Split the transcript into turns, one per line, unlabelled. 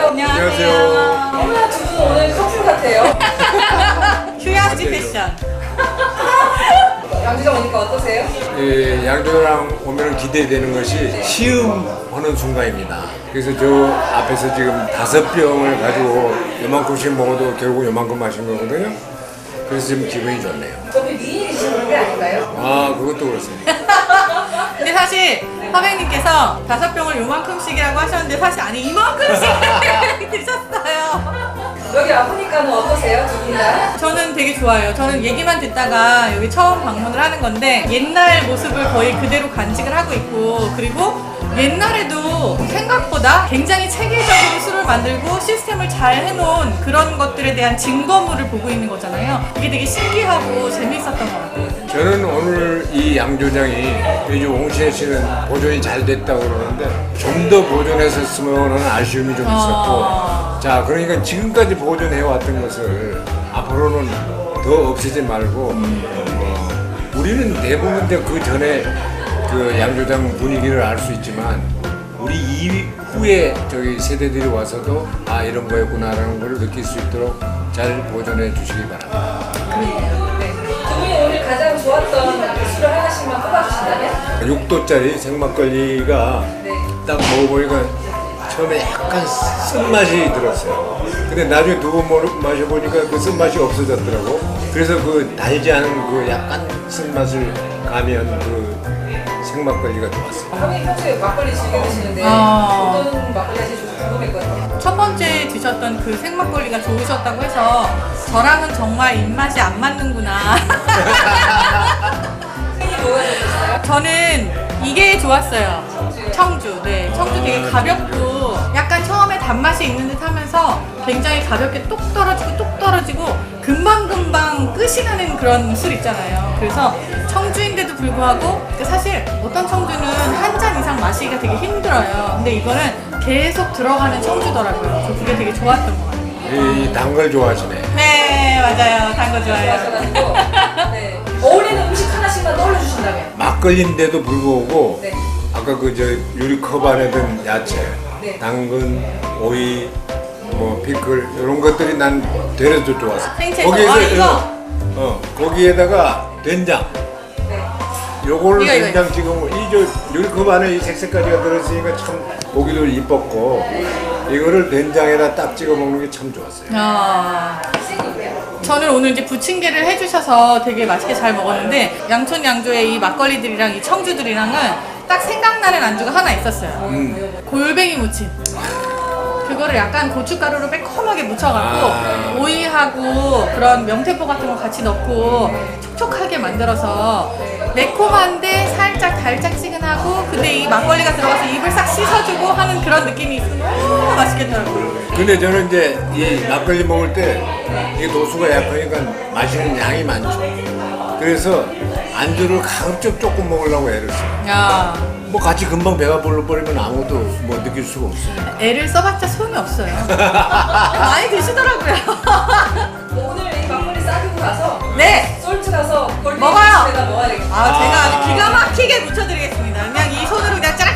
안녕하세요.
어머나 두 분 오늘 커플 같아요.
휴양지 패션.
양주장 오니까 어떠세요?
예, 양조장 오면 기대되는 것이 시음하는 순간입니다. 그래서 저 앞에서 지금 5병을 가지고 요만큼씩 먹어도 결국 요만큼 마신 거거든요. 그래서 지금 기분이 좋네요.
저기 미인이신 그런 게 아닌가요?
아, 그것도 그렇습니다.
근데 사실 선생님께서 5병을 요만큼씩이라고 하셨는데 사실 아니 이만큼씩 드셨어요.
여기 와보니까는 어떠세요? 두 분 다?
저는 되게 좋아요. 저는 얘기만 듣다가 여기 처음 방문을 하는 건데 옛날 모습을 거의 그대로 간직을 하고 있고, 그리고 옛날에도 생각보다 굉장히 체계적으로 술을 만들고 시스템을 잘 해놓은 그런 것들에 대한 증거물을 보고 있는 거잖아요. 이게 되게 신기하고 재미있었던 것 같아요.
저는 오늘 이 양조장이 이제 옹신혜 씨는 보존이 잘 됐다고 그러는데 좀 더 보존했었으면 하는 아쉬움이 좀 있었고, 자, 그러니까 지금까지 보존해왔던 것을 앞으로는 더 없애지 말고 우리는 대부분 그 전에 그 양조장 분위기를 알 수 있지만 우리 이후에 저기 세대들이 와서도 아 이런 거였구나라는 걸 느낄 수 있도록 잘 보존해 주시기 바랍니다.
네. 두 분이 오늘 가장 좋았던 술을 하나씩만 뽑아주신다면?
6도짜리 생막걸리가
네.
딱 먹어보니까 처음에 약간 쓴맛이 들었어요. 근데 나중에 두 번 마셔보니까 그 쓴맛이 없어졌더라고. 그래서 그 달지 않은 그 약간 쓴맛을 가미한 그 생막걸리가 좋았어요.
선생님 평소에 막걸리 즐겨 드시는데
아.
어떤 막걸리가 제일 좋을지 궁금했거든요.
첫 번째 드셨던 그 생막걸리가 좋으셨다고 해서 저랑은 정말 입맛이 안 맞는구나.
선생님 뭐가 좋으셨어요?
저는 이게 좋았어요. 청주. 네, 청주 되게 가볍고 약간 처음에 단맛이 있는 듯 하면서 굉장히 가볍게 똑 떨어지고 금방금방 끝이 나는 그런 술 있잖아요. 그래서 청주인데도 불구하고 사실 어떤 청주는 한 잔 이상 마시기가 되게 힘들어요. 근데 이거는 계속 들어가는 청주더라고요. 저 그게 되게 좋았던 것 같아요.
이 단 걸 좋아하시네.
네, 맞아요. 단 거 좋아해요.
좋아하셔가지고 네. 어울리는 음식 하나씩만 떠올려주신다면?
막걸리인데도 불구하고
네.
아까 그 저 유리컵 안에 든 야채,
네.
당근, 오이, 뭐 피클 이런 것들이 난 되레도 좋았어.
생채소. 아, 이거?
거기에다가 된장.
네.
요걸
이거.
된장 찍으면 이저 유리컵 안에 이 색색까지가 들었으니까 참 보기도 이뻤고 이거를 된장에다 딱 찍어 먹는 게 참 좋았어요.
아. 저는 오늘 이제 부침개를 해주셔서 되게 맛있게 잘 먹었는데 양촌 양조의 이 막걸리들이랑 이 청주들이랑은 딱 생각나는 안주가 하나 있었어요. 골뱅이 무침. 그거를 약간 고춧가루로 매콤하게 묻혀갖고 오이하고 그런 명태포 같은 거 같이 넣고 촉촉하게 만들어서 매콤한데 살짝 달짝지근하고 근데 이 막걸리가 들어가서 입을 싹 씻어주고 하는 그런 느낌이 있어서 너무 맛있겠더라고요.
근데 저는 이제 이 막걸리 먹을 때 이게 도수가 약하니까 마시는 양이 많죠. 그래서 안주를 가급적 조금 먹으려고 애를 써요.
야,
뭐 같이 금방 배가 불러버리면 아무도 뭐 느낄 수가 없으니까.
애를 써봤자 소용이 없어요. 많이 드시더라고요.
오늘 이 막걸리 싸들고 가서
네.
솔트 가서 골뱅이
먹어요.
집에다 넣어야 되겠다.
제가 아주 기가 막히게 묻혀드리겠습니다. 그냥 이 손으로 그냥 짜